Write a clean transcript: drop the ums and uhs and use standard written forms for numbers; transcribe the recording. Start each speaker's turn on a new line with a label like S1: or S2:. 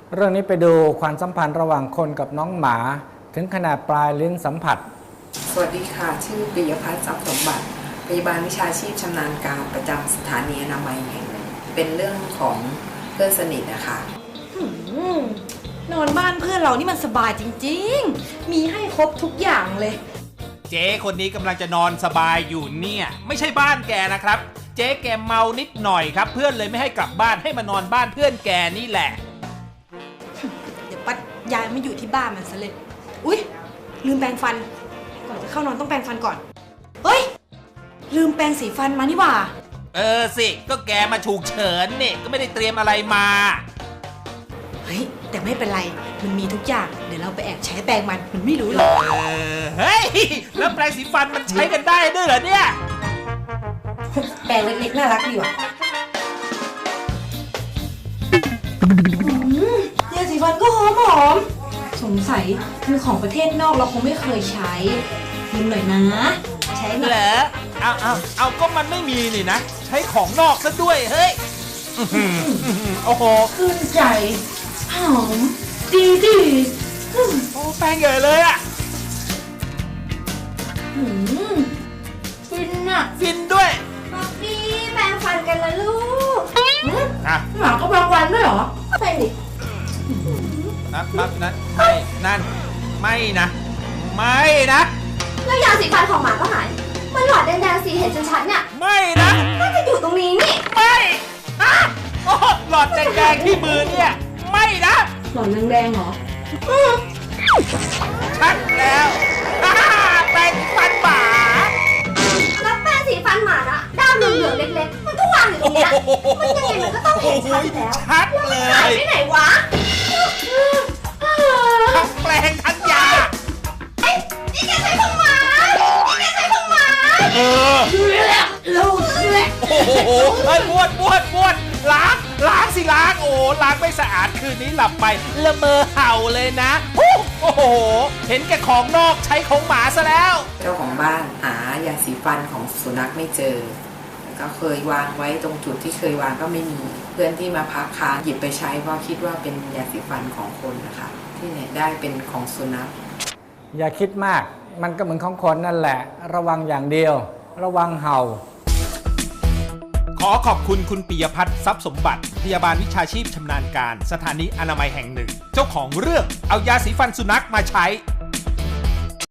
S1: เรื่องนี้ไปดูความสัมพันธ์ระหว่างคนกับน้องหมาถึงขนาดปลายลิ้นสัมผัส
S2: สวัสดีค่ะชื่อปิยพัฒน์ทรัพย์สมบัติพยาบาลวิชาชีพชำนาญการประจำสถานีอนามัยแห่งหนึ่งเป็นเรื่องของเพื่อนสนิทนะคะ
S3: นอนบ้านเพื่อนเรานี่มันสบายจริงๆมีให้ครบทุกอย่างเลย
S4: เจ๊คนนี้กำลังจะนอนสบายอยู่เนี่ยไม่ใช่บ้านแกนะครับเจ๊แกเมานิดหน่อยครับเพื่อนเลยไม่ให้กลับบ้านให้มานอนบ้านเพื่อนแกนี่แหละ
S3: เดี๋ยวปัดย้ายมาอยู่ที่บ้านมันซะเลยอุ๊ยลืมแปรงฟันก่อนจะเข้านอนต้องแปรงฟันก่อนเฮ้ยลืมแปรงสีฟันมานี่หว่า
S4: สิก็แกมาฉุกเฉินเนี่ยก็ไม่ได้เตรียมอะไรมา
S3: เฮ้ยแต่ไม่เป็นไรมันมีทุกอย่างเดี๋ยวเราไปแอบใช้แปรงมันไม่รู้หรอก
S4: เฮ้ยแล้วแปรงสีฟันมันใช้กันได้ด้วยเหรอเนี่ย
S3: แปรงเล็กๆน่ารักดีว่ะยาสีฟันก็หอมสงสัยเป็นของประเทศนอกเราคงไม่เคยใช้ยืมหน่อยนะใช้
S4: เหรอเอาก็มันไม่มีนี่นะใช้ของนอกซะด้วยเฮ้ยโอ้โห
S3: ขึ้นใจหอมดี
S4: โอ้แป้งใหญ่เลยอ่ะ
S3: ฟินอ่ะ
S4: ฟินด้วย
S3: ป๊อปปี้แปรงฟันกันละลูกห
S4: มา
S3: ก็แปรงฟันด้วยเหรอแปรงดิ
S4: นั่นไม่นะ
S5: แล้วยาสีฟันของหมาก็หายมันหลอดแดงๆสีเห็นชัดๆเนี่ย
S4: ไม่นะ
S5: น่าจะอยู่ตรงนี้นี่
S4: ไม่โอ้หลอดแดงๆที่มือเนี่ยไม่นะ
S3: หลอดแดงๆเหรอ
S4: ชัดแล้วแปรงฟันหมา
S5: แล้วแป้งสีฟันหมาอะด้ามเหลืองๆเล็กๆมันก็วางอยู่ตรงนี้มันยังไงมันก็ต้องเห็นชัดแล้ว
S4: ชัดเลย
S5: หายไปไหนวะ
S4: ทั้งแปรงทั้งยา
S5: นี่แกใช้ของหมา
S4: ดูแล
S5: ลูก
S4: โอ้โหเฮ้ยบ้วนล้างสิล้างโอ้ล้างไม่สะอาดคืนนี้หลับไปละเมอเห่าเลยนะโอ้โหเห็นแก่ของนอกใช้ของหมาซะแล้ว
S2: เจ้าของบ้านหายาสีฟันของสุนัขไม่เจอก็เคยวางไว้ตรงจุดที่เคยวางก็ไม่มีเพื่อนที่มาพักค้างหยิบไปใช้เพราะคิดว่าเป็นยาสีฟันของคนนะคะที่ไหนได้เป็นของสุนัข
S1: อย่าคิดมากมันก็เหมือนของคนนั่นแหละระวังอย่างเดียวระวังเห่า
S4: ขอขอบคุณคุณปิยพัฒน์ทรัพย์สมบัติพยาบาลวิชาชีพชำนาญการสถานีอนามัยแห่งหนึ่งเจ้าของเรื่องเอายาสีฟันสุนัขมาใช้